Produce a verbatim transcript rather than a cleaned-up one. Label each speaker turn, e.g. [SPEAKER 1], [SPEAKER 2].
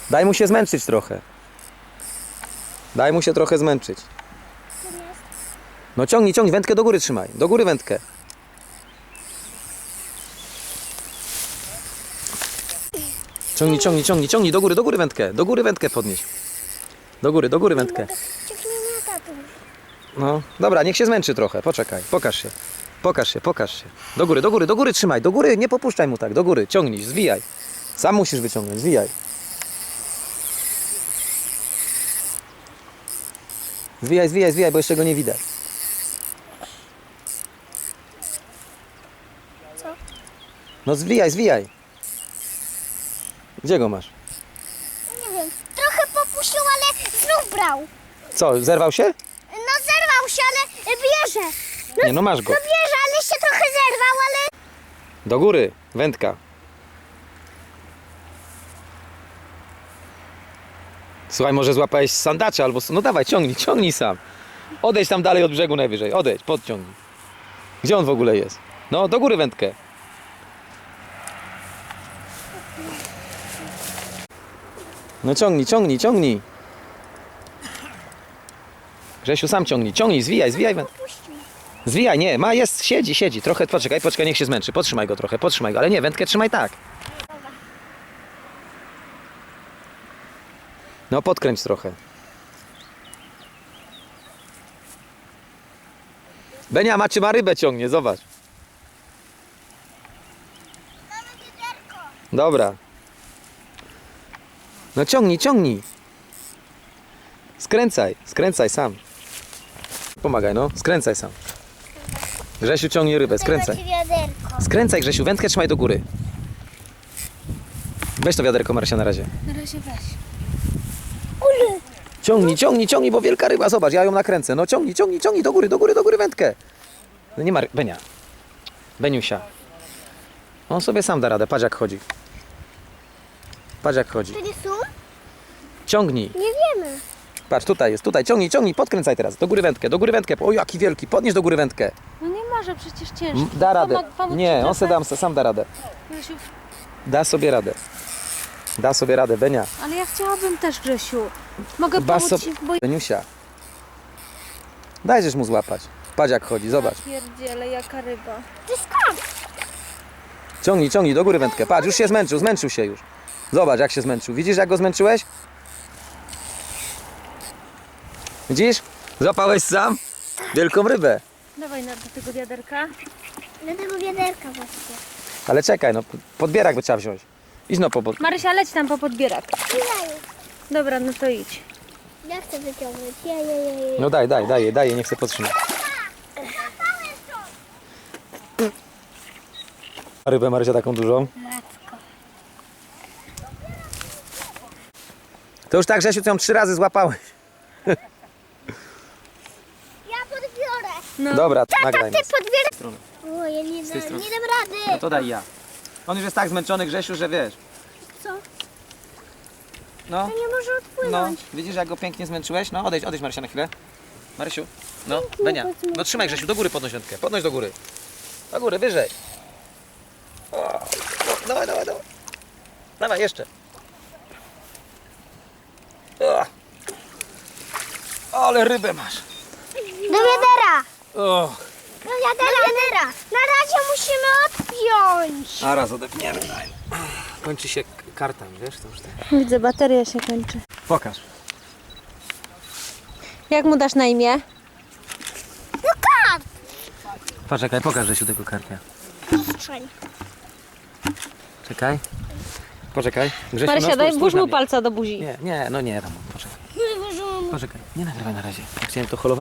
[SPEAKER 1] Daj mu się zmęczyć trochę. Daj mu się trochę zmęczyć. No ciągnij, ciągnij, wędkę do góry trzymaj. Do góry wędkę. Ciągnij, ciągnij, ciągnij, ciągnij, do góry, do góry wędkę. Do góry wędkę podnieś. Do góry, do góry wędkę. No, dobra, niech się zmęczy trochę. Poczekaj, pokaż się. Pokaż się, pokaż się. Do góry, do góry, do góry trzymaj. Do góry, nie popuszczaj mu tak. Do góry, ciągnij, zwijaj. Sam musisz wyciągnąć, zwijaj. Zwijaj, zwijaj, zwijaj, bo jeszcze go nie widać.
[SPEAKER 2] Co?
[SPEAKER 1] No zwijaj, zwijaj. Gdzie go masz?
[SPEAKER 2] Nie wiem. Trochę popuścił, ale znów brał.
[SPEAKER 1] Co, zerwał się?
[SPEAKER 2] No zerwał się, ale bierze.
[SPEAKER 1] Nie, no masz go.
[SPEAKER 2] No bierze, ale się trochę zerwał, ale...
[SPEAKER 1] Do góry, wędka. Słuchaj, może złapałeś sandacza albo... No dawaj, ciągnij, ciągnij sam. Odejdź tam dalej od brzegu najwyżej. Odejdź, podciągnij. Gdzie on w ogóle jest? No, do góry wędkę. No ciągnij, ciągnij, ciągnij. Grzesiu, sam ciągnij, ciągnij, zwijaj, zwijaj wędkę.
[SPEAKER 2] Puścił.
[SPEAKER 1] Zwijaj, nie, ma, jest, siedzi, siedzi. Trochę, poczekaj, poczekaj, niech się zmęczy. Podtrzymaj go trochę, podtrzymaj go. Ale nie, wędkę trzymaj tak. No, podkręć trochę. Benia, macie ma rybę ciągnie, zobacz.
[SPEAKER 2] Mamy wiaderko.
[SPEAKER 1] Dobra. No ciągnij, ciągnij. Skręcaj, skręcaj sam. Pomagaj, no, skręcaj sam. Grzesiu ciągnie rybę, skręcaj.
[SPEAKER 2] Macie wiaderko.
[SPEAKER 1] Skręcaj, Grzesiu, wędkę trzymaj do góry. Weź to wiaderko, Marysia, na razie.
[SPEAKER 3] Na razie weź.
[SPEAKER 2] Ule.
[SPEAKER 1] Ciągnij, ciągnij, ciągnij, bo wielka ryba, zobacz, ja ją nakręcę. No ciągnij, ciągnij, ciągnij, do góry, do góry, do góry wędkę. No nie ma, ry- Benia. Beniusia. On sobie sam da radę, patrz jak chodzi. Patrz jak chodzi.
[SPEAKER 2] To nie są?
[SPEAKER 1] Ciągnij.
[SPEAKER 2] Nie wiemy.
[SPEAKER 1] Patrz, tutaj jest, tutaj, ciągnij, ciągnij, podkręcaj teraz. Do góry wędkę, do góry wędkę. O, jaki wielki, podnieś do góry wędkę.
[SPEAKER 3] No nie może, przecież ciężko.
[SPEAKER 1] M, Da radę.
[SPEAKER 3] Pomag- pomóc
[SPEAKER 1] Nie,
[SPEAKER 3] ci
[SPEAKER 1] on se
[SPEAKER 3] trochę?
[SPEAKER 1] dam, sam da radę.
[SPEAKER 3] Grzesiu,
[SPEAKER 1] Da sobie radę. Da sobie radę, Benia.
[SPEAKER 3] ale ja chciałabym też, Grzesiu. Mogę
[SPEAKER 1] Bas
[SPEAKER 3] pomóc
[SPEAKER 1] sobie-
[SPEAKER 3] ci, bo...
[SPEAKER 1] Beniusia. Dajżesz mu złapać. Patrz jak chodzi, zobacz.
[SPEAKER 3] Pierdziele, jaka ryba.
[SPEAKER 2] To jest skarb.
[SPEAKER 1] Ciągnij, ciągnij, do góry wędkę. Patrz, już się zmęczył, zmęczył się już. Zobacz jak się zmęczył. Widzisz jak go zmęczyłeś? Widzisz? Złapałeś sam wielką rybę.
[SPEAKER 3] Dawaj na, do tego wiaderka.
[SPEAKER 2] Do tego wiaderka właśnie.
[SPEAKER 1] Ale czekaj, no podbierak by trzeba wziąć. Idź no po... po-
[SPEAKER 3] Marysia, leć tam po podbierak.
[SPEAKER 2] Ja,
[SPEAKER 3] Dobra, no to idź.
[SPEAKER 2] ja chcę wyciągnąć. Ja, ja, ja, ja.
[SPEAKER 1] No daj, daj, daj, daj, niech się podtrzyma. Rybę Marysia taką dużą.
[SPEAKER 2] Matko.
[SPEAKER 1] To już tak, Grzesiu, ty ją trzy razy złapałeś.
[SPEAKER 2] Ja podbiorę.
[SPEAKER 3] No.
[SPEAKER 1] Dobra,
[SPEAKER 2] Tata,
[SPEAKER 1] nagraj
[SPEAKER 2] ty
[SPEAKER 1] nas.
[SPEAKER 2] podbierasz. O, ja nie,
[SPEAKER 1] tej
[SPEAKER 2] da,
[SPEAKER 1] strony.
[SPEAKER 2] nie dam rady.
[SPEAKER 1] No to daj ja. On już jest tak zmęczony, Grzesiu, że wiesz.
[SPEAKER 2] Co?
[SPEAKER 1] No,
[SPEAKER 2] To nie może
[SPEAKER 1] no,
[SPEAKER 2] odpłynąć.
[SPEAKER 1] widzisz jak go pięknie zmęczyłeś? No odejdź, odejdź Marysia na chwilę. Marysiu, no, Benia. No trzymaj Grzesiu, do góry podnoś wędkę. Podnoś do góry. Do góry, wyżej. O, no, dawaj, dawaj, dawaj. Dawaj, jeszcze. O. Ale rybę masz.
[SPEAKER 2] Do wiadera.
[SPEAKER 1] O.
[SPEAKER 2] Do wiadera. Do wiadera. Na razie musimy odpiąć.
[SPEAKER 1] A raz odepniemy. Daj. Kończy się k- karta, wiesz? To już tak.
[SPEAKER 3] Widzę, bateria się kończy.
[SPEAKER 1] Pokaż.
[SPEAKER 3] Jak mu dasz na imię?
[SPEAKER 2] No kart.
[SPEAKER 1] Poczekaj, pokaż Grzesiu tego karpia.
[SPEAKER 2] Przestrzeń.
[SPEAKER 1] Czekaj. Poczekaj. Grzesiu,
[SPEAKER 3] Marysia,
[SPEAKER 1] no,
[SPEAKER 3] daj,
[SPEAKER 1] spójrz,
[SPEAKER 3] włóż
[SPEAKER 1] spójrz na
[SPEAKER 3] mu
[SPEAKER 1] mnie.
[SPEAKER 3] palca do buzi.
[SPEAKER 1] Nie, nie, no nie, tam, poczekaj. Poczekaj, nie nagrywaj na razie. Ja chciałem to holować.